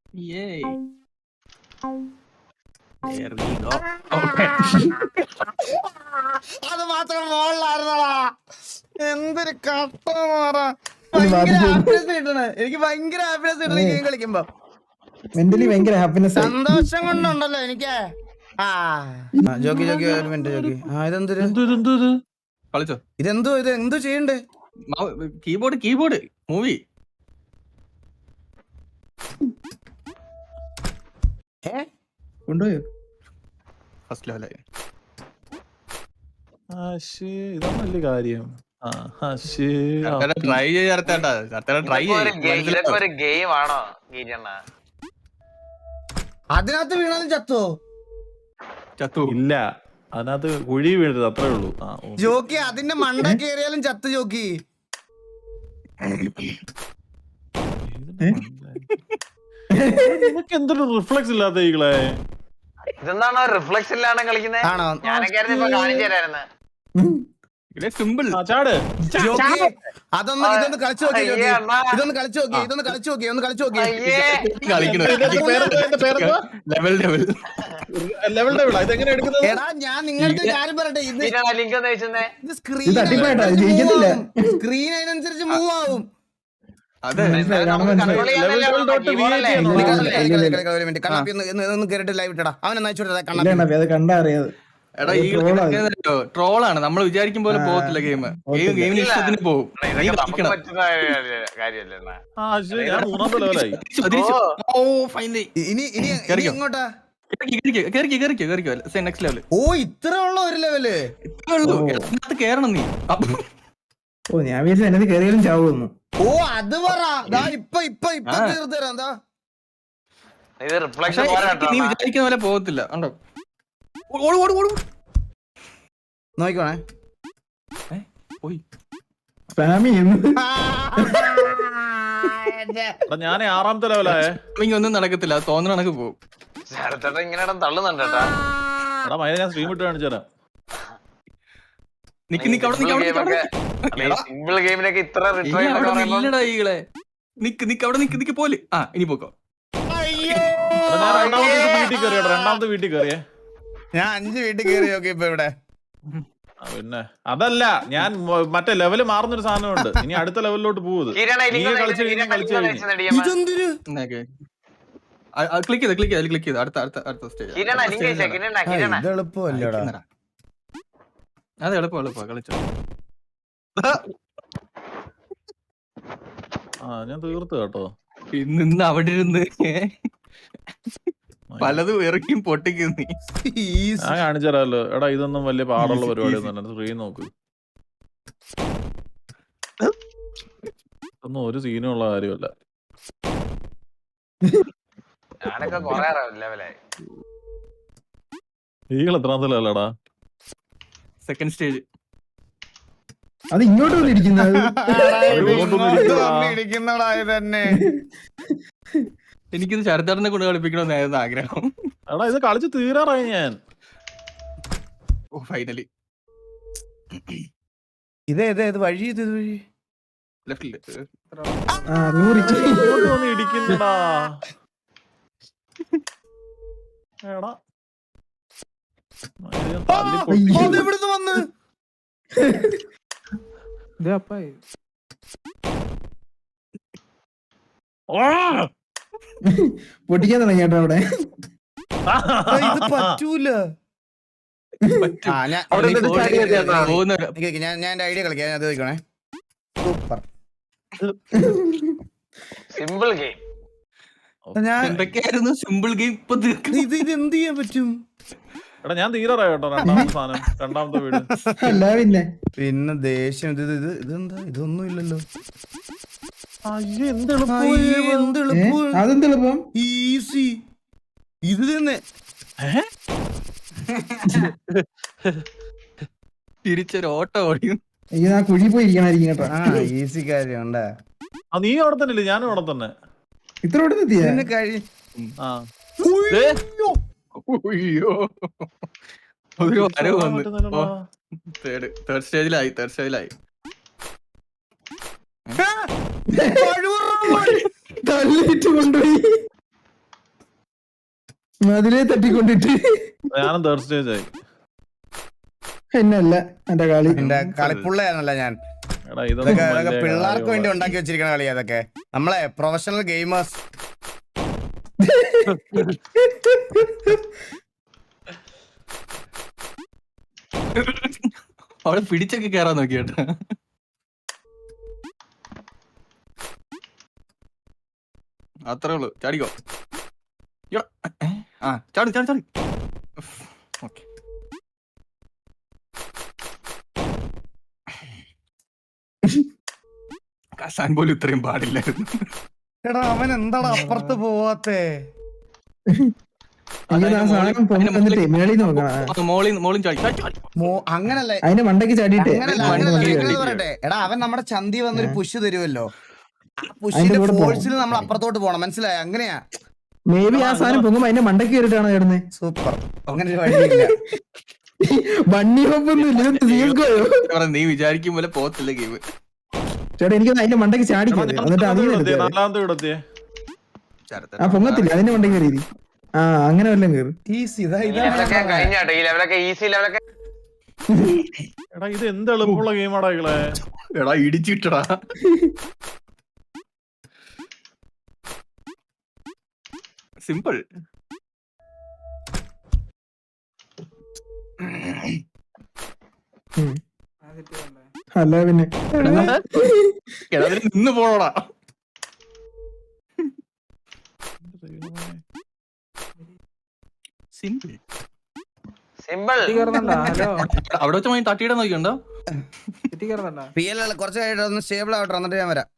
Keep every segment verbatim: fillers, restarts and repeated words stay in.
Yay. There we go. Okay. അത് മാത്രം മോളിലായിരുന്നടാ. എന്തൊരു കട്ട ഭയങ്കര ഹാപ്പിനെസ് കിട്ടണ. എനിക്ക് ഭയങ്കര ഹാപ്പിനെസ് കിട്ടണ ഗെയിം കളിക്കുമ്പോ. മെന്റലി ഭയങ്കര ഹാപ്പിനെസ്. സന്തോഷം കൊണ്ടുണ്ടല്ലോ എനിക്ക്. ആ ജോക്കി ജോക്കി ഒരു മിനിറ്റ് ജോക്കി. ആ ഇതെന്തൊരു കളിച്ചോ? ഇതെന്തോ ഇത് എന്തോ ചെയ്യണ്ടേ? Keyboard keyboard movie. ഏ കൊണ്ടുപോയോ? ഫസ്റ്റ് ലെവലായി. ഇതാണ് വലിയ കാര്യം. ട്രൈ ചെയ്യാത്താ ട്രൈ ഒരു ഗെയിം ആണോ ഗീരണ്ണ? അതിനകത്ത് വീണാലും ചത്തോ? ചത്തു ഇല്ല, അതിനകത്ത് കുഴി വീഴരുത്, അത്രേ ഉള്ളൂ. ജോക്കി അതിന്റെ മണ്ട കേറിയാലും ചത്ത് ജോക്കി. നിനക്ക് എന്തൊരു റിഫ്ലക്സ് ഇല്ലാത്ത ഈകളെ. ഇതെന്താണോ റിഫ്ലക്സ് ഇല്ലാണ്ട് കളിക്കുന്നത്? ആണോ? ഞാനൊക്കെ ഇപ്പൊ കാണിച്ചു തരായിരുന്നു. സിമ്പിൾ. ചാട്. ജോക്കി അതൊന്ന് ഇതൊന്ന് കളിച്ചു നോക്കി ജോക്കി. ഇതൊന്ന് കളിച്ചു നോക്കി ഇതൊന്ന് കളിച്ചു നോക്കി ഒന്ന് കളിച്ചു നോക്കി. ലെവൽ ലെവൽ ലെവൽ ലെവൽ ഇതെങ്ങനെ എടുക്കുന്നത്? എടാ ഞാൻ നിങ്ങൾക്ക് കാര്യം പറയട്ടെ. ഇത് ലിങ്ക് ഒന്ന് വെച്ചേ. ഇത് സ്ക്രീൻ സ്ക്രീൻ അതിനനുസരിച്ച് മൂവ് ആവും. അതെ കേറിട്ട് ലൈവ് ഇട്ടടാ. അവനെ നയിച്ചോട്ടെ. കണ്ടാ അറിയാതെ. എടാ ഈ ട്രോളാണ്. നമ്മൾ വിചാരിക്കും പോലെ പോകത്തില്ല ഗെയിം. ഗെയിം ഗെയിമിന് ഇഷ്ടത്തിന് പോകും. ഇനി ഇനി എങ്ങോട്ടാ? Next level. ഓ ഇത്ര ഉള്ള ഒരു ലെവല് കേറണം നീ. ഓ ഞാൻ വിചാരിച്ചു എന്നത് കയറിയാലും ചാവുന്നു. ഓ അത് പറ. ഇപ്പൊ ഇപ്പൊ ഇപ്പൊ തീർത്ത് തരാം. എന്താ നീ വിചാരിക്കുന്ന പോലെ പോകത്തില്ല. ഉണ്ടോ? നോക്കണേ. ഞാൻ ആറാമത്തെ ലെവലായേ. ഒന്നും നടക്കത്തില്ല. തോന്നുന്ന കണക്ക് പോകും. ഇങ്ങനെ തള്ളുന്നുണ്ട് കേട്ടാ. എടാ മൈന ഞാൻ സ്ട്രീം ഇട്ട് കാണിച്ചു തരാം. നിക്ക് നിക്ക് അവിടെ സിമ്പിൾ ഗെയിമിനൊക്കെ ഇത്ര നിക്ക് നിക്ക് അവിടെ നിക്ക് നിക്ക് പോലെ. ആ ഇനി പോക്കോ. ഞാൻ രണ്ടാമത്തെ വീട്ടിൽ കയറിയോ? രണ്ടാമത്തെ വീട്ടിൽ കയറിയേ. ഞാൻ അഞ്ച് വീട്ടിൽ കയറി നോക്കി ഇപ്പൊ ഇവിടെ. പിന്നെ അതല്ല, ഞാൻ മറ്റേ ലെവല് മാറുന്നൊരു സാധനമുണ്ട്. ഇനി അടുത്ത ലെവലിലോട്ട് പോകുന്നത്. കളിച്ചു കഴിഞ്ഞാൽ കളിച്ചു കഴിഞ്ഞു. ഇതെന്തൊരു ക്ലിക്ക് ചെയ്ത് ക്ലിക്ക് ചെയ്ത് ക്ലിക്ക് ചെയ്ത് അടുത്ത അടുത്ത അടുത്ത സ്റ്റേജ്. ഇത് എളുപ്പമല്ലടാ. അത് എളുപ്പം എളുപ്പം കളിച്ചോ. ആ ഞാൻ തീർത്തു കേട്ടോ. ഇന്ന് അവിടെ ഇരുന്ന് പലതും ഇറക്കിയും പൊട്ടിക്കുന്നു. ഞാൻ കാണിച്ചു തരാമല്ലോ. എടാ ഇതൊന്നും വലിയ പാടുള്ള പരിപാടിയൊന്നും സ്ക്രീൻ നോക്ക്. ഒന്നും ഒരു സീനും ഉള്ള കാര്യമല്ല. ഞാനൊക്കെ കൊറേ ലെവലായി. ഈകൾ എത്രാമത്തെ ലെവലടാ? Second stage. അത് ഇങ്ങോട്ട് വന്നിരിക്കുന്നത് തന്നെ. എനിക്കിത് ശരത്തേട്ടനെ കൊണ്ട് കളിപ്പിക്കണമെന്നായിരുന്നു ആഗ്രഹം. എടാ ഇത് കളിച്ച് തീരാറായി ഞാൻ. Oh finally. ഇതേ ഇതേ ഇത് വഴി ഇത് വഴി ലെഫ്റ്റില് ഇടിക്കുന്നടാ. എടാ ഇവിടുന്ന് വന്ന് പൊട്ടിക്കാൻ തുടങ്ങി കേട്ടോ അവിടെ. ഇത് പറ്റൂല. ഞാൻ ഞാൻ എന്റെ ഐഡിയ കളിക്കാം. അത് ചോദിക്കണേ. Super simple game. ഞാൻ എന്തൊക്കെയായിരുന്നു സിമ്പിൾ ഗെയിം. ഇപ്പൊ ഇത് ഇത് എന്ത് ചെയ്യാൻ പറ്റും? എടാ ഞാൻ തീരാറായി കേട്ടോ. രണ്ടാമത്തെ സാധനം രണ്ടാമത്തെ വീട്. അല്ല പിന്നെ പിന്നെ ദേഷ്യം. ഇത് ഇത് ഇതെന്താ ഇതൊന്നും ഇല്ലല്ലോ. അതെന്തെളുപ്പം ഈസി. ഇത് തന്നെ തിരിച്ചൊരു ഓട്ടം ഓടിയും. അയ്യോ ആ കുഴി പോയി ഇരിക്കണായിരിക്കും കേട്ടോ. ആ ഈസി കാര്യം ഉണ്ടാ. നീ അവിടെ തന്നെ ഇല്ലേ? ഞാനും അവിടെ തന്നെ. ഇത്ര ഇവിടെ എത്തിയ കഴി ഒരു വരവ് വന്ന് തേർഡ് തേർഡ് സ്റ്റേജിലായി തേർഡ് സ്റ്റേജിലായി തള്ളിയിട്ട് കൊണ്ടുപോയി. അതിലേ തട്ടിക്കൊണ്ടിട്ട് ഞാനും തേർഡ് സ്റ്റേജ് ആയി. എന്നല്ല എന്റെ കളി. എന്റെ കളിപ്പുള്ളയാണല്ല ഞാൻ. എടാ ഇതൊക്കെ ഇതൊക്കെ അതൊക്കെ പിള്ളേർക്ക് വേണ്ടി ഉണ്ടാക്കി വെച്ചിരിക്കണ കളി അതൊക്കെ. നമ്മളെ പ്രൊഫഷണൽ ഗെയിമേഴ്സ്. അവിടെ പിടിച്ചൊക്കെ കേറാൻ നോക്കി കേട്ടോ. അത്രേ ഉള്ളു. ചാടിക്കോ. ഇയ്യോ. ഏ? ആ ചാടി ചാടി ചാടി. ഓക്കെ. കസാൻ പോലും ഇത്രയും പാടില്ലായിരുന്നു. എടാ അവൻ എന്താടാ അപ്പുറത്ത് പോവാത്തേ? എനിക്ക് ആ സാധനം പൊങ്ങി തന്നിട്ടേ മേളിൽ നോക്കണം. മോളിൽ മോളിൽ ചാടി ചാടി ചാടി. മോ- അങ്ങനല്ല അതിന്റെ മണ്ടയ്ക്ക് ചാടിയിട്ട് അങ്ങനല്ല മണ്ണ് അങ്ങനല്ല. മണ്ണ് ഞാനത് കയറി. പറയട്ടെ, എടാ അവൻ നമ്മുടെ ചന്തി വന്നൊരു പുഷ് തരുമല്ലോ. ആ അതിന്റെ പുഷിന്റെ കൂടെ പോണം. ഫോഴ്സിൽ നമ്മൾ അപ്പുറത്തോട്ട് പോണം. മനസ്സിലായ? അങ്ങനെയാ. മേ ബി ആ സാധനം പൊങ്ങുമ്പോ അതിന്റെ മണ്ടയ്ക്ക് കയറിയിട്ടാണോ ചേർന്നത്? സൂപ്പർ. അങ്ങനെ ഒരു വഴിയില്ല. വണ്ണി ഹോപ്പൊന്നും ഇല്ല. സി എസ് ഗോയോ പറഞ്ഞ നീ വിചാരിക്കും പോലെ പോകത്തില്ല ഗെയിം. ചേട്ടാ എനിക്ക് അതിന്റെ മണ്ടയ്ക്ക് ചാടിക്കരുത്. എന്നിട്ട് അതിൽ നാലാമത്തെ ഇടത്തിയേ. ആ പൊങ്ങത്തില്ല അതിന്റെ മണ്ടയ്ക്ക് കയറി. ആ അങ്ങനെ വല്ലതും കയറി. ഈസി. ഇതാ ഈ ഇതാ ലെവലൊക്കെ കഴിഞ്ഞാട്ടോ. ഈ ലെവലൊക്കെ ഈസി ലെവലൊക്കെ. എടാ ഇത് എന്ത് എളുപ്പമുള്ള ഗെയിമാടാ ഇകളെ. എടാ ഇടിച്ചിട്ടടാ. സിമ്പിൾ. അല്ല പിന്നെ എടാ അതിന് നിന്ന് പോണോടാ. Simple simple. അവിടെ വെച്ച് മൈ തട്ടിയിടാൻ നോക്കിയുണ്ടോ? പി എൽ കുറച്ച് കഴിഞ്ഞിട്ട് ഒന്ന് സ്റ്റേബിൾ ആവട്ടെ, എന്നിട്ട് ഞാൻ വരാം.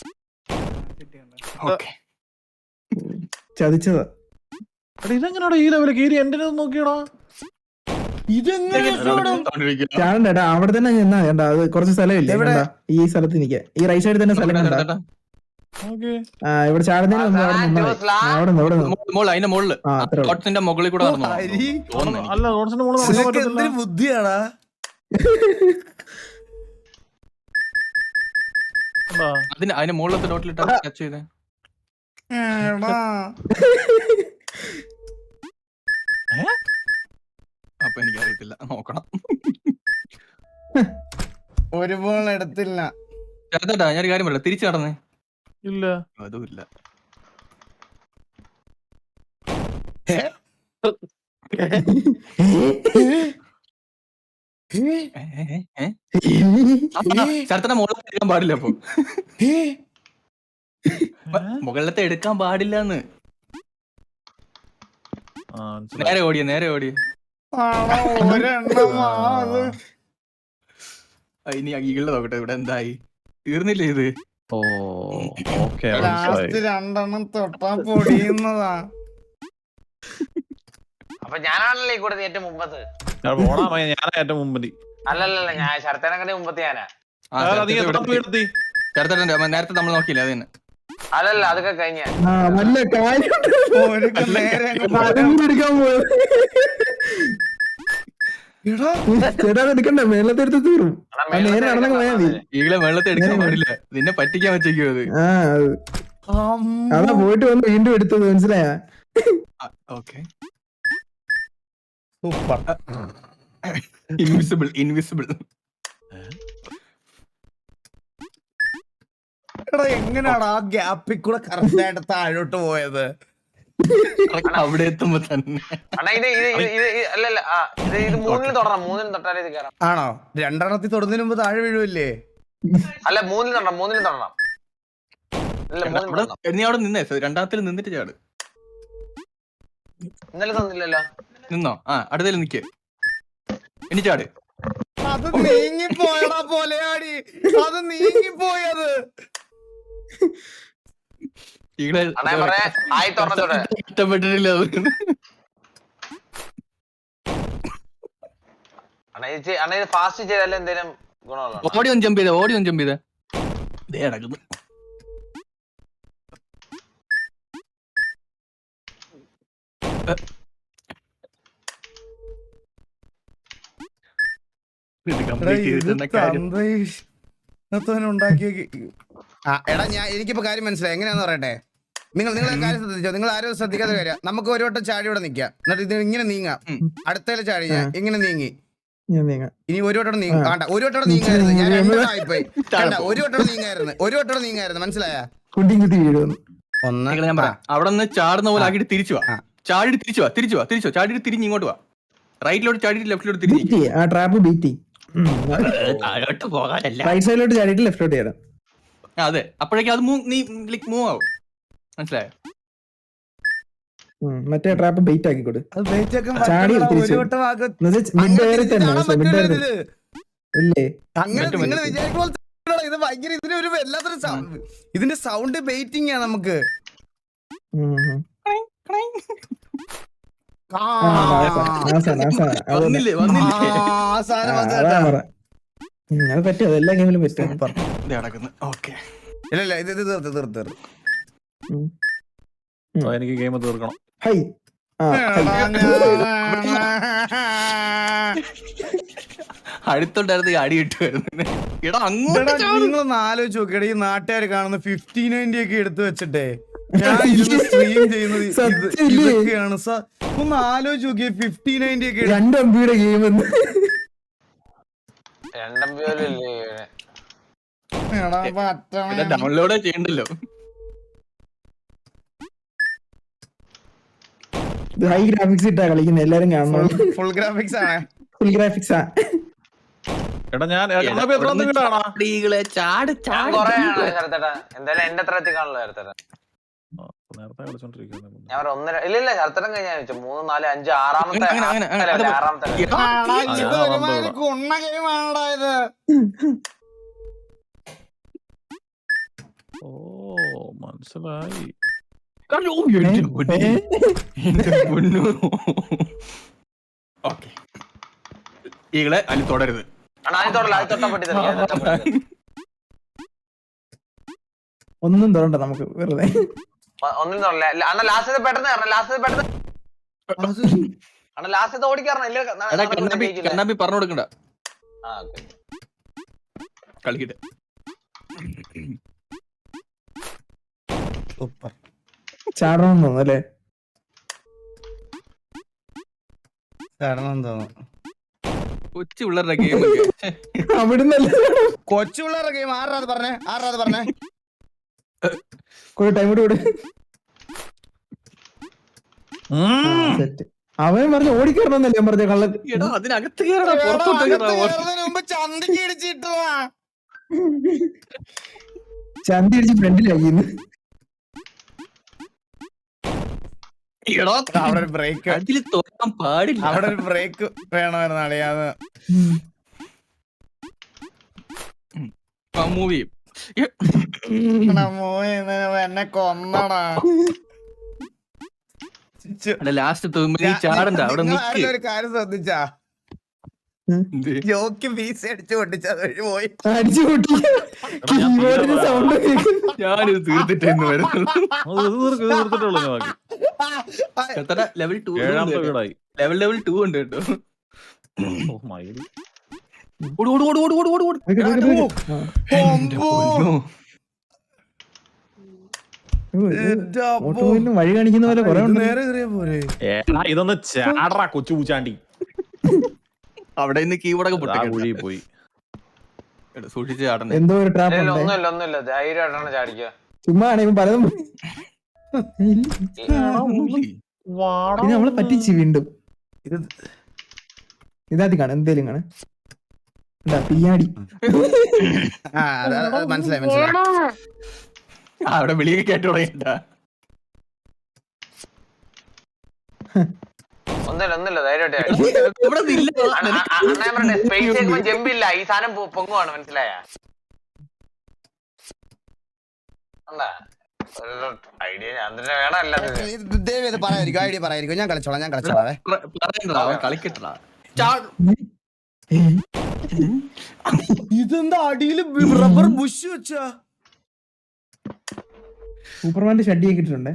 ഓക്കെ. ചതിച്ചതാ. എടാ ഇതെങ്ങനെയാടാ ഈ ലെവല് കയറി എന്റെ നോക്കിയടാ. ചാടണ്ടേട്ടാ അവിടെ തന്നെ നിന്നാ വേണ്ട. അത് കുറച്ച് സ്ഥലമില്ല. കണ്ടാ? ഈ സ്ഥലത്ത് നിൽക്കാം. ഈ റൈറ്റ് സൈഡിൽ തന്നെ സ്ഥലം കണ്ടാ? ആ ഇവിടെ ചാടുന്നതിന് മുമ്പ് അവിടെ നിന്നാ മതി. ആ, അവിടെ നിന്ന് അവിടെ നിന്ന് മോള് അതിന്റെ മുകളില് ആ അത്രേ ഉള്ളൂ. ഡോട്ട്സിന്റെ മുകളിൽ കൂടെ നടന്നു ഹരി, അല്ല റോഡ്സിന്റെ മുകളിൽ നടക്കാൻ നിനക്ക് പറ്റത്തില്ല. എന്തൊരു ബുദ്ധിയാടാ. എന്താ? അതിന് അതിന്റെ മുകളിലത്തെ ഡോട്ടിലിട്ട് ടച്ച് ചെയ്തേ. എടാ. അപ്പൊ എനിക്കറിയത്തില്ല, നോക്കണം. ഒരു ബോൾ എടുത്തില്ല. ചേട്ടാ ഞാനൊരു കാര്യം പറയാം. തിരിച്ചു നടന്നേ. ഇല്ല അതും ഇല്ല. ചേട്ടന്റെ മുകളിലത്തെ എടുക്കാൻ പാടില്ല. അപ്പൊ മുകളിലത്തെ എടുക്കാൻ പാടില്ലെന്ന്. ആ, മനസ്സിലായി. നേരെ ഓടിയ നേരെ ഓടിയ. ആടാ, ഒരെണ്ണം ആ അത്. ഇനി ഈകളുടെ നോക്കട്ടെ ഇവിടെ എന്തായി. തീർന്നില്ലേ ഇത്? ഓ ഓക്കെ മനസ്സിലായി. ലാസ്റ്റ് രണ്ടെണ്ണം തൊട്ടാ പൊടിയുന്നതാ. അപ്പൊ ഞാനാണല്ലോ ഈ കൂടെ ഏറ്റവും മുമ്പത്ത്. ഞാൻ പോണാ മതി, ഞാനാ ഏറ്റവും മുമ്പതി. അല്ലല്ലല്ല, ഞാൻ ശരത്തേനൊക്കെ മുമ്പത്ത് ഞാനാ. നീ എത്ര വീടെത്തി? ചേട്ടന്റെ നേരത്തെ നമ്മൾ നോക്കിയില്ല അത് തന്നെ. അല്ലല്ല, അതൊക്കെ കഴിഞ്ഞ. ആ വല്ല കാര്യം ഓരൊക്കെ നേരെ അങ്ങ് പോ. എടുക്കാൻ പോയത്. എടാ, ചേട്ടാ അത് എടുക്കണ്ട. മേളത്തെടുത്ത് തീറും. ആ നേരെ നടന്നങ്ങ് പോയാ മതി. ഈകളെ വെള്ളത്തെ എടുക്കാൻ പാടില്ല. നിന്നെ പറ്റിക്കാൻ വെച്ചേക്കും അത്. ആ അത്. അതാ പോയിട്ട് വന്ന് വീണ്ടും എടുത്തത്. മനസ്സിലായ? ഓക്കെ. സൂപ്പർ. Invisible invisible. എടാ എങ്ങനെയാടാ ആ ഗ്യാപ്പിൽ കൂടെ കറക്റ്റ് ആയിട്ട് താഴോട്ട് പോയത്? അവിടെ എത്തുമ്പോ തന്നെ. അണ്ണാ ഇത് ഇത് ഇത് ഇത് ഇത് അല്ലല്ല, ആ ഇത് ഇത് മൂന്നിൽ തൊടണം. മൂന്നിൽ തൊട്ടാലേ ഇത് കയറാം. ആണോ? രണ്ടെണ്ണത്തിൽ തൊടുന്നതിന് മുമ്പ് താഴെ വീഴുമല്ലേ? അല്ല, മൂന്നിൽ തൊടണം. മൂന്നിൽ തൊടണം. അല്ല, മൂന്നിൽ അവിടെ തൊടണം. നീ അവിടെ നിന്നേ. രണ്ടാമത്തിൽ നിന്നിട്ട് ചാട്. ഇന്നലെ തന്നില്ലല്ലോ. നിന്നോ? ആ അടുത്തേൽ നിക്ക്. ഇനി ചാട്. അത് നീങ്ങിപ്പോയടാ പോലെയാടി. അത് നീങ്ങിപ്പോയത്. ഈകളെ അണ്ണാ ഞാൻ പറയാ, ആയി തുറന്നതോടെ ഇഷ്ടപ്പെട്ടിട്ടില്ല അത്. അണ്ണാ ഇത് ചെയ്- അണ്ണാ ഇത് ഫാസ്റ്റ് ചെയ്താലും എന്തേലും ഗുണമുള്ള. ഓടി ഒന്ന് ജമ്പ് ചെയ്തേ. ഓടി ഒന്ന് ജമ്പ് ചെയ്തേ. ദേ നടക്കുന്നു. ഇത് complete ചെയ്തിട്ടെന്താ കാര്യം? ഉണ്ടാക്കിയ. ആ എടാ, ഞാൻ എനിക്കിപ്പോ കാര്യം മനസ്സിലായി. എങ്ങനെയാന്ന് പറയട്ടെ. നിങ്ങൾ നിങ്ങളെ കാര്യം ശ്രദ്ധിച്ചോ, നിങ്ങൾ ആരും ശ്രദ്ധിക്കാത്ത കാര്യം. നമുക്ക് ഒരു വട്ടം ചാടി ഇവിടെ നിക്കാം, എന്നിട്ട് ഇത് ഇങ്ങനെ നീങ്ങാം. അടുത്തേലെ ചാടി ഞാൻ ഇങ്ങനെ നീങ്ങി, ഇനി ഒരു വട്ടം നീങ്ങ വേണ്ട, ഒരു വട്ടം നീങ്ങായിരുന്നു. ഞാൻ രണ്ടായിപ്പോയി. ഒരു വട്ടം നീങ്ങായിരുന്നു, ഒരു വട്ടം നീങ്ങായിരുന്നു. മനസ്സിലായ? ഒന്ന് ഞാൻ പറയാം, അവിടെ നിന്ന് ചാടുന്ന പോലെ ആക്കിയിട്ട് തിരിച്ചു വാ. ചാടി തിരിച്ചു വാ, തിരിച്ചു വാ, തിരിച്ചു ചാടിയിട്ട് തിരിഞ്ഞ് ഇങ്ങോട്ട് വാ. റൈറ്റിലോട്ട് ചാടിയിട്ട് ലെഫ്റ്റിലോട്ട് തിരിഞ്ഞു. ആ ട്രാപ്പ് ബീറ്റി താഴോട്ട് പോകാനല്ല, റൈറ്റ് സൈഡിലോട്ട് ചാടിയിട്ട് ലെഫ്റ്റിലോട്ട് ചെയ്യണം. അതെ, അപ്പോഴേക്കും അത് നീ മൂവ് ആവും. മനസ്സിലായോ? മറ്റേ ട്രാപ്പ് ബെയിറ്റ് ആക്കിക്കോട്. അത് വെയിറ്റ് ആക്കാൻ ചാടി പറ്റില്ല, തിരിച്ചു. ഒരു വട്ടം ആക്ക്. മിഡ് എയറിൽ തന്നെ കാണാൻ മിഡ് പറ്റൂല എയറിൽ ഇതില്. ഇല്ലേ? അങ്ങനെ നിങ്ങൾ വിചാരിക്കുമ്പോൾ ഇത് ഭയങ്കര ഇതിനൊരു വല്ലാത്തൊരു സൗണ്ട്. ഇതിന്റെ സൗണ്ട് ബെയിറ്റിംഗ് ആണ് നമുക്ക്. ഉം, ഉം. ആ, ആ, നാസാ, നാസാ, നാസാ. അത് തന്നെ. വന്നില്ലേ ആ, വന്നില്ലേ ആ സാധനം ആ, വന്നു അതാ കേട്ടോ. പറ. ഉം, അത് പറ്റും, അത് എല്ലാ ഗെയിമിലും പറ്റും. ഇത് നടക്കുന്നു. ഓക്കെ, ഇല്ല ഇല്ല ഇത് ഇത് തീർത്ത് തീർത്ത് തീർത്ത്. ഉം. ഓ, എനിക്ക് ഗെയിം തീർക്കണം. ഹൈ. ആ, ഹൈ. അടുത്തോണ്ടായിരുന്നു അടി കിട്ടുമായിരുന്നു. എടാ അങ്ങോട്ട് എടാ, നിങ്ങളൊന്ന് ആലോചിച്ച് നോക്കിയട, ഈ നാട്ടുകാർ കാണുന്ന ഫിഫ്റ്റി നയൻറ്റി ഒക്കെ എടുത്തു വെച്ചിട്ടേ ഞാൻ ഇരുന്ന് സ്ട്രീം ചെയ്യുന്നത് ഇത് സത്യല്ലേ? ഇതൊക്കെയാണ്. സ- ഒന്ന് ആലോചിച്ച് നോക്കിയേ, ഫിഫ്റ്റി നയൻറ്റി ഒക്കെ എടുത്ത് രണ്ട് എംബിയുടെ ഗെയിം എന്ന് രണ്ടമ്പി പോലും ഇല്ലേ? എടാ, പറ്റണേ. ഡൗൺലോഡ് ചെയ്യണ്ടല്ലോ. ഹൈ ഗ്രാഫിക്സ് ഇട്ടാ കളിക്കുന്നത്, എല്ലാരും കാണണം. ഫുൾ ഗ്രാഫിക്സ് ആണ്. ഫുൾ ഗ്രാഫിക്സ് ആ. എടാ ഞാൻ എത്ര എത്ര വീടാണോ? ചാട് ഞാൻ കൊറേ ആണ് ശരത്തേട്ടാ. എന്തായാലും എന്റെ അത്ര എത്തിക്കാണല്ലോ ശരത്തേട്ടാ. നേരത്തെ കളിച്ചോണ്ടിരിക്കുന്നത്. ഞാൻ ഒരു ഒന്നര ഇല്ല ഇല്ല ശരത്തേട്ടൻ കഴിഞ്ഞാൽ ചോദിച്ചു മൂന്ന് നാല് അഞ്ച് ആറാമത്തെ അങ്ങനെ, അങ്ങനെ, അങ്ങനെ, അല്ല, അത് ആറാമത്തെ level. എടാ, ആടാ, ഇത് അതാ ഒരുമാതിരി വന്നത്. കുണ്ണ ഗെയിമാണടാ ഇത്. ഓ മനസ്സിലായി. ഓ, എന്റെ പൊന്നേ. എന്റെ പൊന്നോ. ഓക്കെ, ഈകളെ അതിൽ തുടരുത്. അണ്ണാ ആദ്യം തൊടല്ല, ആദ്യം തൊട്ടാ പൊട്ടി തെറിക്കും, ആദ്യം തൊട്ടാ പൊട്ടി തെറിക്കും. ഒന്നും തോണ്ട നമുക്ക് വെറുതെ. ഒ- ഒന്നിനും തൊടല്ല. ല- അണ്ണാ ലാസ്റ്റ് പെട്ടെന്ന് കയറണം, ലാസ്റ്റ് പെട്ടെന്ന് അണ്ണാ ലാസ്റ്റ് ഓടിക്കറണം. ഇല്ല ന- എടാ നടക്കൂല, കണ്ണാപ്പി ജയിക്കില്ല. കണ്ണാപ്പി പറഞ്ഞു കൊടുക്കണ്ട, ആ, okay. കളിക്കട്ടെ. സൂപ്പർ. ചാടണമെന്ന് തോന്നുന്നു അല്ലേ? ചടണം തോന്നുന്നു. കൊച്ചു പിള്ളേരുടെ ഗെയിം അവിടുന്നല്ല. കൊച്ചു പിള്ളേരുടെ ഗെയിം. ആറാ അത് പറഞ്ഞേ, ആറാ അത് പറഞ്ഞേ. കൂടെ ടൈം കൂടെ കൂടെ സെറ്റ്. അവൻ പറഞ്ഞു ഓടിക്കറണമെന്നല്ലേ ഞാൻ പറഞ്ഞ കള്ളൻ. എടാ അതിനകത്ത് കയറടാ, എടാ, പുറത്തോട്ട് അകത്ത് കയറാ. കയറുന്നതിന് മുമ്പ് ചന്തിക്ക് ഇടിച്ചിട്ടതാ. ചന്തി അടിച്ച് ഫ്രണ്ടിലാക്കിന്ന്. എടാ അവിടെ ഒരു ബ്രേക്ക്, അതിൽ തുറക്കാൻ പാടില്ല. അവിടെ ഒരു ബ്രേക്ക് വേണമായിരുന്നു അളിയാന്ന്. മൂവ് എടാ, മോനെ, എന്നെ കൊന്നടാ. ചു- ലാസ്റ്റ് നീ ചാടണ്ട, അവിടെ നിങ്ങൾ നിക്ക്. ആരെങ്കിലും ഒരു കാര്യം ശ്രദ്ധിച്ചാ? എന്ത്? ജോക്ക് വീസ അടിച്ചു പൊട്ടിച്ച വഴി പോയി. അടിച്ചു കൂട്ടി കീബോർഡിന് സൗണ്ട് കേൾക്കുന്നു. ഞാനിത് തീർത്തിട്ടേന്ന് വരുന്നുള്ളൂ. തീർത്തിട്ടുള്ളൂ ഞാൻ ബാക്കി. എത്ര ലെവൽ ടു ഏഴാമത്തെ വീടായി. ലെവൽ ലെവൽ ടു ഉണ്ട് കേട്ടോ. ഓ മയില്. ഓട് ഓട് ഓട് ഓട് ഓട് ഓട് ഓട്. വെക്ക്, വെക്ക്, വെക്ക്. ആ. എന്റെ പൊന്നോ. ഓ, ഇത് എന്റെ അപ്പോ. ഓട്ടോയിലും വഴി കാണിക്കുന്ന പോലെ കുറെ ഇത് ഉണ്ട്. നേരെ കയറിയാ പോരെ. ഏടാ ഇതൊന്ന് ചാടറാ കൊച്ചു പൂച്ചാണ്ടി. അവിടെ നിന്ന് കീബോർഡൊക്കെ ആ പൊട്ടിക്കണം. കുഴി പോയി. സൂക്ഷിച്ച് ചാടണ്ടേ. എന്തോ ഒരു ട്രാപ്പ് ഇല്ല, ഉണ്ട്. ഒന്നുമില്ല ഒന്നുമില്ല ധൈര്യമായിട്ടാണ് ചാടിക്കുക. ചുമ്മാ ആണ് ഇവൻ പലതും ഇല്ല. വാടാ. ഇത് നമ്മളെ പറ്റിച്ച് വീണ്ടും. ഇത് ഇതാദ്യം കാണാം, എന്തേലും കാണാം. എന്താ പിയാടി. ആ, അത് അത് അത് മനസ്സിലായി മനസ്സിലായി. അവിടെ വെളിയൊക്കെ കേട്ടു തുടങ്ങിട്ട. ഒന്നുമില്ല ഒന്നുമില്ല ധൈര്യമായിട്ട് ചാടി. ഇവിടെ ഇല്ല. അണ്ണാ അണ്ണാ ഞാൻ പറഞ്ഞെ സ്പേസ് ചെയ്യുമ്പോ ജമ്പില്ല, ഈ സാധനം പൊ- പൊങ്ങുവാണ്. മനസ്സിലായ ഐഡിയ ഞാൻ തന്നെ വേണം അല്ലാതെ. ഇത് ദയവ് ചെയ്ത് പറയാതിരിക്കും, ഐഡിയ പറയാതിരിക്കും. ഞാൻ കളിച്ചോളാം, ഞാൻ കളിച്ചോളാം. പറയണ്ടടാ, അവൻ കളിക്കട്ടടാ. ഇതെന്താ അടിയില് റബ്ബർ ബുഷ് വെച്ചാ? സൂപ്പർമാന്റെ ഷഡിയൊക്കെ ഇട്ടിട്ടുണ്ട്.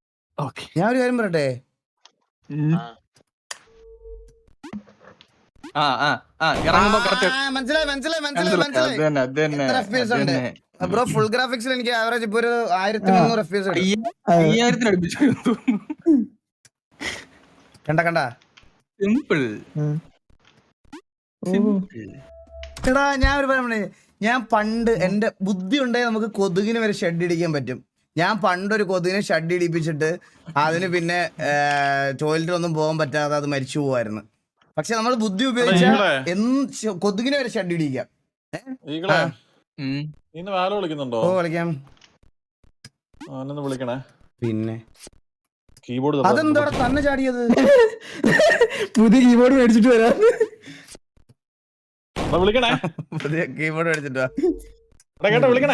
ഓക്കെ, ഞാൻ ഒരു കാര്യം പറയട്ടെ, ആ ആ ആ ഇറങ്ങുമ്പോ കറക്റ്റ് ആ, മനസ്സിലായി മനസ്സിലായി മനസ്സിലായി അത് മനസ്സിലായി തന്നെ അത് തന്നെ എത്ര എഫ് പി എസ് അത് ഉണ്ട് തന്നെ. ബ്രോ? ഫുൾ ഗ്രാഫിക്സിൽ എനിക്ക് ആവറേജ് ഇപ്പൊ ഒരു ആയിരത്തി മുന്നൂറ് എഫ് പി എസ് ഉണ്ട്. അയ്യായിരത്തിന് അടുപ്പിച്ചു കണ്ട കണ്ട സിമ്പിൾ എടാ ഞാൻ ഒരു പറഞ്ഞേ, ഞാൻ പണ്ട് എന്റെ ബുദ്ധി ഉണ്ടെങ്കിൽ നമുക്ക് കൊതുകിന് വരെ ഷെഡ് ഇടിക്കാൻ പറ്റും. ഞാൻ പണ്ടൊരു കൊതുകിനെ ഷെഡ് ഇടിപ്പിച്ചിട്ട് അതിന് പിന്നെ ടോയ്ലറ്റിലൊന്നും പോകാൻ പറ്റാതെ അത് മരിച്ചു പോവായിരുന്നു. പക്ഷെ നമ്മൾ ബുദ്ധി ഉപയോഗിച്ചാൽ എന്ത് കൊതുകിനെ വരെ ഷെഡ് ഇടിക്കാം. വിളിക്കുന്നുണ്ടോ? ഓ കളിക്കാം. വിളിക്കണേ. പിന്നെ കീബോർഡ് അതെന്താ തന്നെ ചാടിയത്? പുതിയ കീബോർഡ് മേടിച്ചിട്ട് വരാം. വിളിക്കണേ. പുതിയ കീബോർഡ് മേടിച്ചിട്ടാ കേട്ടോ വിളിക്കണേ.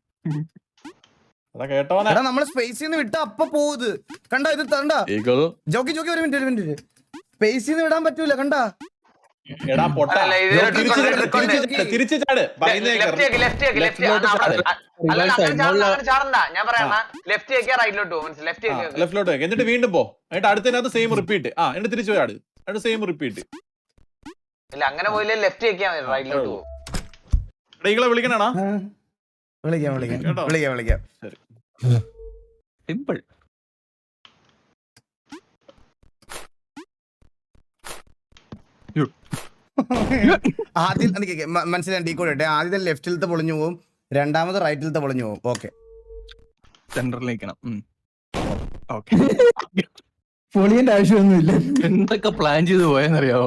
കേട്ടോനെ നമ്മള് സ്പേസിൽ നിന്ന് വിട്ട അപ്പൊ പോവുത്. കണ്ട ഇത് കണ്ട ജോക്കി ജോക്കി ഒരു മിനിറ്റ് ഒരു മിനിറ്റ് സ്പേസിൽ നിന്ന് വിടാൻ പറ്റൂല. കണ്ട എടാ പൊട്ട തിരിച്ചു ചാട്. ഞാൻ പറയാം ലെഫ്റ്റ് റൈറ്റിലോട്ട് പോകും. ലെഫ്റ്റിലോട്ട് എന്നിട്ട് വീണ്ടും പോ. എന്നിട്ട് അടുത്തതിനകത്ത് സെയിം റിപ്പീറ്റ്. ആ എന്നിട്ട് തിരിച്ചു ചാട്. എന്നിട്ട് സെയിം റിപ്പീറ്റ്. ഇല്ല അങ്ങനെ പോയില്ലേ ലെഫ്റ്റ് വെക്കാൻ റൈറ്റിലോട്ട് പോകും. ഈകളെ വിളിക്കണാ? വിളിക്കാം വിളിക്കാം വിളിക്കാം വിളിക്കാം. സിമ്പിൾ. ആദ്യം മനസ്സിലായി ഡീ കോഡ് ഇട്ടെ. ആദ്യത്തെ ലെഫ്റ്റിലത്തെ പൊളിഞ്ഞു പോകും, രണ്ടാമത് റൈറ്റിലത്തെ പൊളിഞ്ഞു പോകും. ഓക്കെ സെന്ററിലേക്കണം. പൊളിയന്റെ ആവശ്യമൊന്നുമില്ല. എന്തൊക്കെ പ്ലാൻ ചെയ്ത് പോയെന്നറിയാവോ?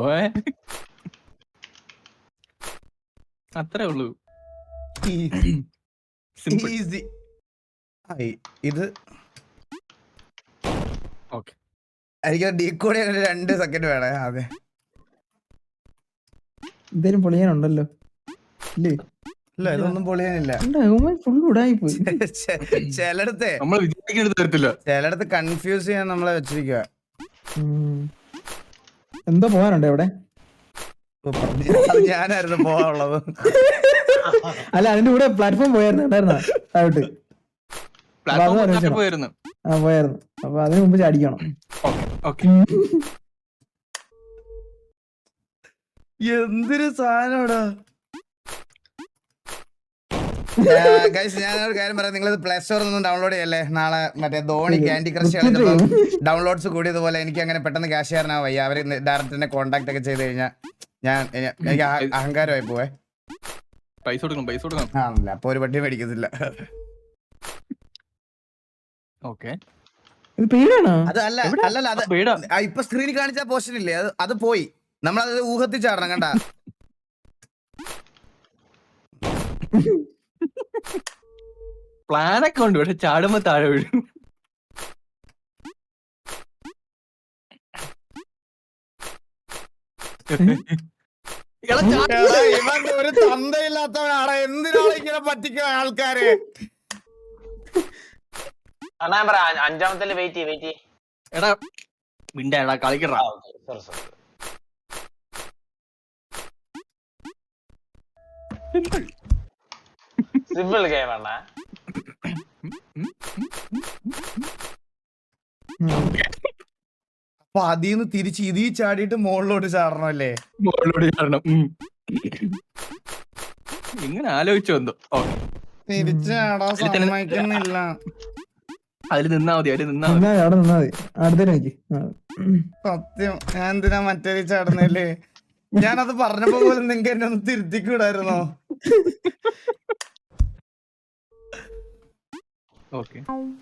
അത്രേ ഉള്ളൂ. ഈസി. ഇത് ഓക്കെ എനിക്ക് ഡീകോഡ് ചെയ്യാൻ രണ്ട് സെക്കൻഡ് വേണേ. അതെ എന്തേലും പൊളിയാനുണ്ടല്ലോ ഇല്ലേ? ഇല്ല ഇതൊന്നും പൊളിയാനില്ല. ഫുൾ ഉടായി പോയി. ചിലടത്തെ നമ്മൾ വിചാരിക്കുന്നത് തരത്തില്ല. ചിലടത്ത് കൺഫ്യൂസ് ചെയ്യാൻ നമ്മളെ വെച്ചിരിക്കുക. എന്തോ പോകാനുണ്ടോ ഇവിടെ? ഞാനായിരുന്നു പോവാനുള്ളത്. അല്ല അതിന്റെ കൂടെ പ്ലാറ്റ്ഫോം പോയായിരുന്നു ഉണ്ടായിരുന്ന താഴോട്ട് പോയിരുന്നു. ആ പോയായിരുന്നു. അപ്പൊ അതിന് മുമ്പ് ചാടിക്കണം. എന്തൊരു സാധനോടാ. ഞാനൊരു കാര്യം പറയാം, നിങ്ങൾ പ്ലേ സ്റ്റോറിൽ നിന്ന് ഡൗൺലോഡ് ചെയ്യല്ലേ. നാളെ മറ്റേ ധോണി ക്യാൻഡി ക്രഷ് കളിച്ചപ്പോൾ ഡൗൺലോഡ്സ് കൂടിയതുപോലെ എനിക്ക് അങ്ങനെ പെട്ടെന്ന് ക്യാഷ് ചെയ്യാനാ വയ്യ. അവര് ഡയറക്റ്റ് എന്നെ കോൺടാക്ട് ഒക്കെ ചെയ്ത് കഴിഞ്ഞാൽ ഞാൻ എനിക്ക് അഹങ്കാരമായി പോവേ. പൈസ കൊടുക്കണം പൈസ കൊടുക്കണം. ആണല്ലേ, അപ്പൊ ഒരു പട്ടി മേടിക്കത്തില്ല. ഓക്കെ അത് അല്ല അല്ലല്ല അത് ഇപ്പൊ സ്ക്രീനിൽ കാണിച്ച പോർഷൻ ഇല്ലേ, അത് അത് പോയി. നമ്മളത് ഊഹത്തിൽ ചാടണം. കണ്ട പ്ലാനൊക്കെ ഉണ്ട്, പക്ഷെ ചാടുമ്പോ താഴെ വീഴും. ഇവൻ ഒരു തന്തയില്ലാത്തവനാണ്. എന്തിനാണ് ഇങ്ങനെ പറ്റിക്കുന്ന ആൾക്കാര്? അഞ്ചാമത്തെ വെയിറ്റ് വെയിറ്റ് എടാ മിണ്ടാ കളിക്കടാ. സിമ്പിൾ ഗെയിം ആണ്. അപ്പൊ അതിന്ന് തിരിച്ച് ഇതീ ചാടിയിട്ട് മുകളിലോട്ട് ചാടണമല്ലേ? മുകളിലോട്ട് ചാടണം. ഇങ്ങനെ ആലോചിച്ചു വന്നു. തിരിച്ച് ചാടാൻ സമ്മതിക്കുന്നില്ല. അതിൽ നിന്നാ മതി അതിൽ നിന്നാ മതി അവിടെ നിന്നാ മതി. അടുത്തേക്ക് സത്യം ഞാൻ എന്തിനാ മറ്റേ ചാടുന്നല്ലേ? ഞാനത് പറഞ്ഞപ്പോ പോലും നിങ്ങൾക്ക് എന്നെ ഒന്ന് തിരുത്തിക്കൂടായിരുന്നോ? ഓക്കെ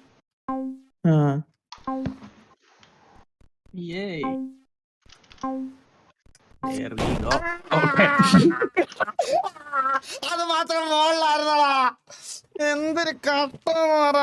അത് മാത്രം മുകളിലായിരുന്നടാ. എന്തൊരു കട്ട.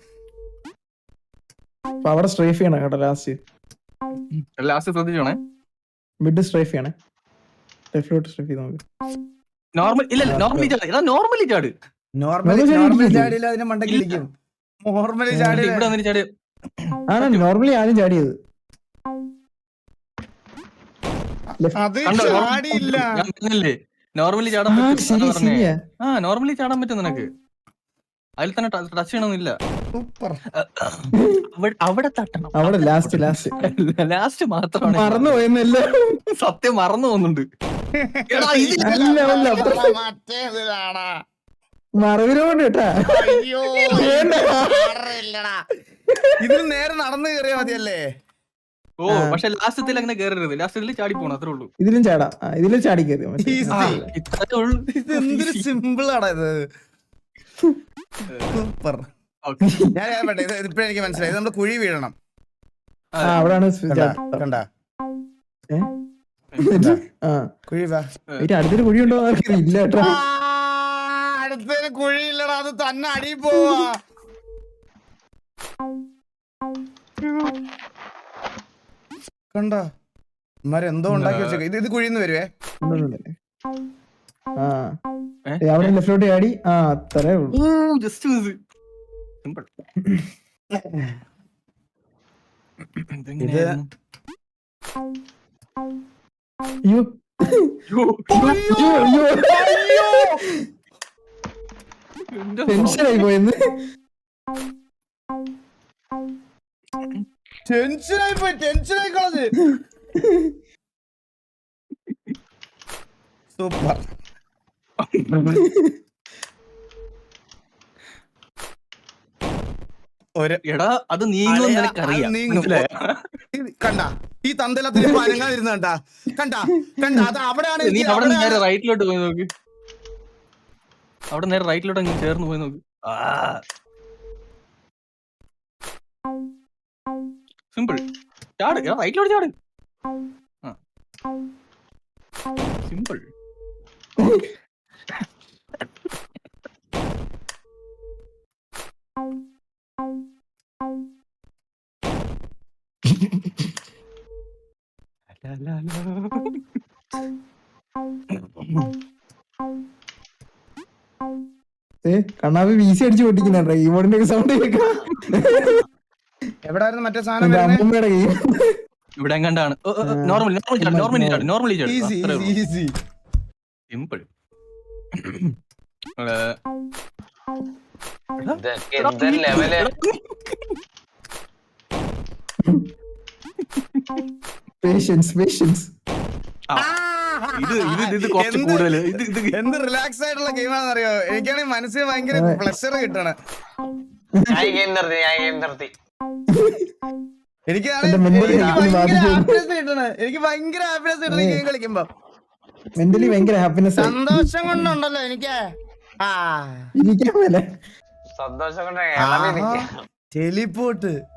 അവിടെ സ്ട്രൈഫ് ചെയ്യണം കേട്ടോ. ലാസ്റ്റ് ലാസ്റ്റ് ശ്രദ്ധിച്ചോണേ. മിഡ് സ്ട്രൈഫ് ചെയ്യണേ. ലെഫ്റ്റിലോട്ട് സ്ട്രൈഫ് ചെയ്ത് നോക്ക്. നോർമൽ ഇല്ല നോർമലി ചാട്. ഇതാ നോർമലി ചാട്. നോർമലി നോർമലി ചാടിയില്ല, അതിനെ മണ്ടയ്ക്ക് ഇടിക്കും. നോർമലി ചാടി ഇവിടെ വന്നിട്ട് ചാട്. ആണ് നോർമലി ആദ്യം ചാടിയത്. അത് ചാടിയില്ല. നോർമലി ചാടാൻ ആ പറ്റും. ശരി ശരിയാ. ആ നോർമലി ചാടാൻ പറ്റും നിനക്ക്. അതിൽ തന്നെ ടച്ച് ചെയ്യണമെന്നില്ല. സൂപ്പർ. അവിടെ തട്ടണം. അവിടെ ലാസ്റ്റ് ലാസ്റ്റ് ലാസ്റ്റ് മാത്രമാണ് മറന്നു പോയെന്നല്ല. സത്യം മറന്നു പോകുന്നുണ്ട്. എടാ, ഇത് അല്ല, അല്ല. മറ്റേതിലാടാ. മറവിലോണ്ട് കേട്ടാ. അയ്യോ ഇല്ലടാ. ഇതിൽ നേരെ നടന്നു കയറിയാ മതിയല്ലേ? ഓ പക്ഷെ ലാസ്റ്റത്തിൽ അങ്ങനെ കേറരുത്, ലാസ്റ്റത്തിൽ ചാടി പോണം, അത്രേ ഉള്ളൂ. ഇതിലും ചാടാം. ആ, ഇതിലും ചാടി കയറി ആ, ഇത്രേ ഉള്ളൂ. ഇത് എന്തൊരു സിമ്പിൾ ആടാ ഇത്. സൂപ്പർ. Okay. ഞാൻ പറയട്ടെ, ഇത് ഇപ്പഴേ എനിക്ക് മനസ്സിലായി. ഇത് നമ്മള് കുഴി വീഴണം. ആ അവിടാണ് കണ്ട ഏ? ആ കുഴി വാ. ഇതിന്റെ അടുത്തൊരു കുഴി ഉണ്ടോ ഇല്ല കേട്ടോ. അടുത്തൊരു കുഴിയില്ലടാ, അത് തന്നെ അടി പോവാ. കണ്ട മരെന്തോ ഉണ്ടാക്കി വെച്ചേക്ക. ഇത് ഇത് കുഴിന്ന് വരുവേ. ആ അവിടെ ലെഫ്റ്റിലോട്ട് ചാടി. ആ അത്രേ ഉള്ളൂ. Just simple. ഇത് അയ്യോ ടെൻഷനായി പോയെന്ന്. ടെൻഷനായി പോയി, ടെൻഷനായി കളഞ്ഞ്. സൂപ്പർ. എടാ അത് നീങ്ങും നിനക്കറിയാം. കണ്ട ഈ തന്തലത്തിന് പനങ്ങാതിരുന്ന കണ്ടാ കണ്ട കണ്ട അത് അവിടെയാണ്. നീ അവിടെ നേരെ റൈറ്റിലോട്ട് പോയി നോക്ക്, അവിടെ നേരെ റൈറ്റിലോട്ട് അങ്ങ് ചേർന്ന് പോയി നോക്ക്. സിമ്പിൾ. ചാട്, റൈറ്റിലോട്ട് ചാട്. സിമ്പിൾ. കണ്ണാപ്പി വീസി അടിച്ചു പൊട്ടിക്കുന്നുണ്ടോ കീബോർഡിന്റെ ഒക്കെ സൗണ്ട് കേൾക്കാം. എവിടായിരുന്നു മറ്റേ സാധനം? അമ്മൂമ്മയുടെ ഗെയിം ഇവിടെ എങ്ങാണ്ടാണ്. നോർമലി നോർമലി ചാട്, നോർമലി ചാട്, നോർമലി ചാട്. Easy easy. സിമ്പിൾ. എന്തൊരു ലെവല്. Patience patience. ഇത് ഇത് ഇത് കുറച്ച് കൂടുതൽ. ഇത് ഇത് എന്ത് റിലാക്സ് ആയിട്ടുള്ള ഗെയിമാണെന്ന് അറിയോ? എനിക്കാണെങ്കിൽ മനസ്സിന് ഭയങ്കര പ്ലഷർ കിട്ടണം. ഞാൻ ഗെയിം നിർത്തി, ഞാൻ ഗെയിം നിർത്തി. എനിക്ക് ഹാപ്പിനെസ് കിട്ടണ, എനിക്ക് ഭയങ്കര ഹാപ്പിനെസ് കിട്ടണ ഗെയിം കളിക്കുമ്പോ. മെന്റലി ഭയങ്കര ഹാപ്പിനെസ്, സന്തോഷം കൊണ്ടുണ്ടല്ലോ എനിക്ക്. ആ ഇരിക്കാൻ പോലെ സന്തോഷം കൊണ്ട് ടെലിപോർട്ട്.